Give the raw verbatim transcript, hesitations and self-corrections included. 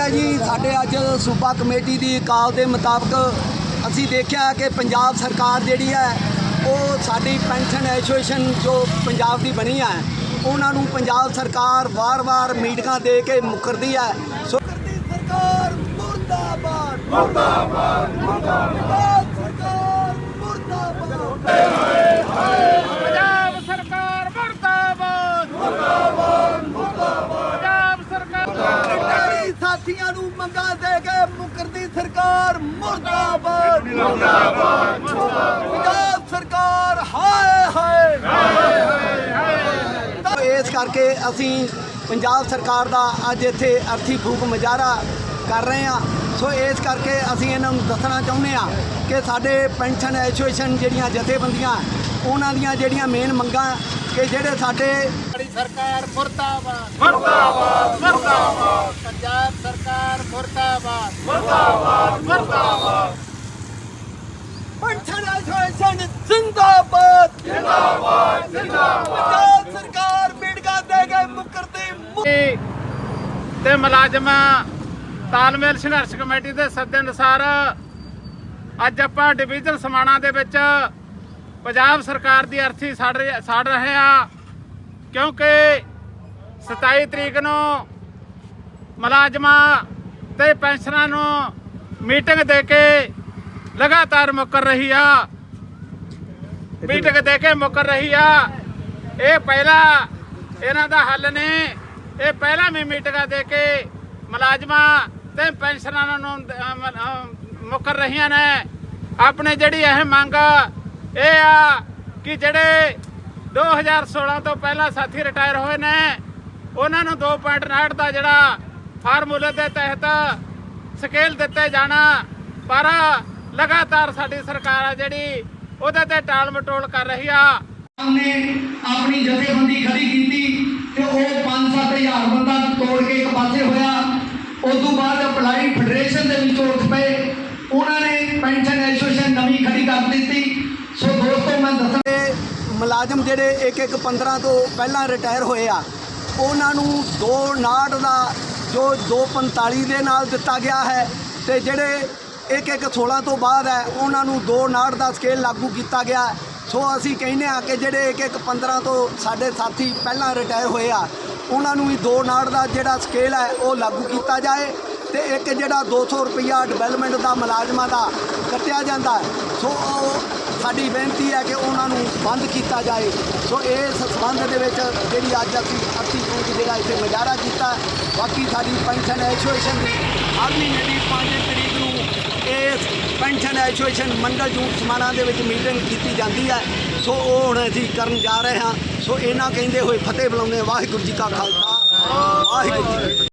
है जी साढ़े अज सूबा कमेटी की काल के मुताबिक असी देखा कि पंजाब सरकार जी है वो साड़ी पेंशन एसोसीएशन जो पंजाब की बनी है उन्होंने पंजाब सरकार वार वार मीटिंग दे के मुकरती है। सो सरकार मुर्दाबाद मुर्दाबाद मुर्दाबाद सरकार मुर्दाबाद पंजाब सरकार मुर्दाबाद मुर्दाबाद मुर्दाबाद पंजाब सरकार साथियों नूं मंगा दे के मुकरती सरकार मुर्दाबाद मुर्दाबाद पंजाब सरकार हाय हाय तो इस करके असी पंजाब सरकार का अज इत्थे अर्थी फूक मुजाहरा कर रहे हैं। सो इस करके असी इन्हां नूं दसना चाहुंदे हां कि साडे पेंशन एसोसीएशन जिहड़ियां जथेबंदियां उन्हां दियां जिहड़ियां मेन मंगां कि जिहड़े साडे सरकार मुर्दाबाद मुर्दाबाद मुर्दाबाद पंजाब सरकार मुर्दाबाद मुर्दाबाद मुर्दाबाद पेंशन एसोसीएशन जिंदाबाद जिंदाबाद जिंदाबाद पंजाब सरकार मीटिंगां दे के मुकरती ਤੇ ਮੁਲਾਜ਼ਮਾਂ ਤਾਲਮੇਲ ਸੰਘਰਸ਼ ਕਮੇਟੀ ਦੇ ਸੱਦੇ ਅਨੁਸਾਰ ਅੱਜ ਆਪਾਂ ਡਿਵੀਜ਼ਨ ਸਮਾਣਾ ਦੇ ਵਿੱਚ ਪੰਜਾਬ ਸਰਕਾਰ ਦੀ ਅਰਥੀ ਸਾੜ ਸਾੜ ਰਹੇ ਆ ਕਿਉਂਕਿ ਸਤਾਈ ਤਰੀਕ ਨੂੰ ਮੁਲਾਜ਼ਮਾਂ ਤੇ ਪੈਨਸ਼ਨਰਾਂ ਨੂੰ ਮੀਟਿੰਗ ਦੇ ਕੇ ਲਗਾਤਾਰ ਮੁਕਰ ਰਹੀ ਆ ਮੀਟਿੰਗ ਦੇ ਕੇ ਮੁਕਰ ਰਹੀ ਆ। ਇਹ ਪਹਿਲਾ ਇਹਨਾਂ ਦਾ ਹੱਲ ਨੇ ਇਹ ਪਹਿਲਾਂ ਵੀ ਮੀਟਿੰਗਾਂ ਦੇ ਕੇ ਮੁਲਾਜ਼ਮਾਂ ਤੇ ਪੈਨਸ਼ਨਰਾਂ ਨੂੰ ਮੁਕਰ ਰਹੀਆਂ ਨੇ। ਆਪਣੇ ਜਿਹੜੀ ਇਹ ਮੰਗ ਇਹ ਆ ਕਿ ਜਿਹੜੇ ਦੋ ਹਜ਼ਾਰ ਸੋਲਾਂ ਤੋਂ ਪਹਿਲਾਂ ਸਾਥੀ ਰਿਟਾਇਰ ਹੋਏ ਨੇ ਉਹਨਾਂ ਨੂੰ ਦੋ ਪੁਆਇੰਟ ਉਨਾਹਠ ਦਾ ਜਿਹੜਾ ਫਾਰਮੂਲੇ ਦੇ ਤਹਿਤ ਸਕੇਲ ਦਿੱਤੇ ਜਾਣਾ, ਪਰ ਲਗਾਤਾਰ ਸਾਡੀ ਸਰਕਾਰ ਆ ਜਿਹੜੀ ਉਹਦੇ ਤੇ ਟਾਲ ਮਟੋਲ ਕਰ ਰਹੀ ਆ। ने अपनी जथेबंदी खड़ी की तो वह पाँच सत्त हज़ार बंदा तोड़ के एक पासे होया। उस तो बाद अप्लाई फेडरेशन के उठ पे उन्होंने पेंशन एसोसीएशन नवी खड़ी कर दी। सो दोस्तों मैं दस मुलाजम जेडे एक एक पंद्रह तो पहला रिटायर होए आ उन्होंने दो नाट का जो दो पंताली के नाल दिता गया है तो जेडे एक एक सोलह तो बाद है उन्होंने दो नाट का स्केल लागू किया गया। सो असी कहने आ कि जेडे एक एक पंद्रह तो साढ़े साथी पहला रिटायर होए आ उन्होंने भी दो नाट का जोड़ा स्केल है वो लागू किया जाए तो एक जोड़ा दो सौ रुपया डिवेलपमेंट का मुलाजमान का कटिया जाता है। सो साड़ी बेनती है कि उन्होंने बंद किया जाए। सो इस संबंध के जी अज असी अर्थी फूक जोड़ा इतने मुजाहरा किया। बाकी साड़ी पेंशन एसोसीएशन की हर महीने की पाँच तरीक को इस पेंशन एसोसीएशन मंडल जूट समाना के मीटिंग की जाती है। सो वो हुण असीं करन जा रहे हैं। सो इन्हां कहंदे होए फतेह बुलाउने वाहिगुरू जी का खालसा वाहिगुरू जी।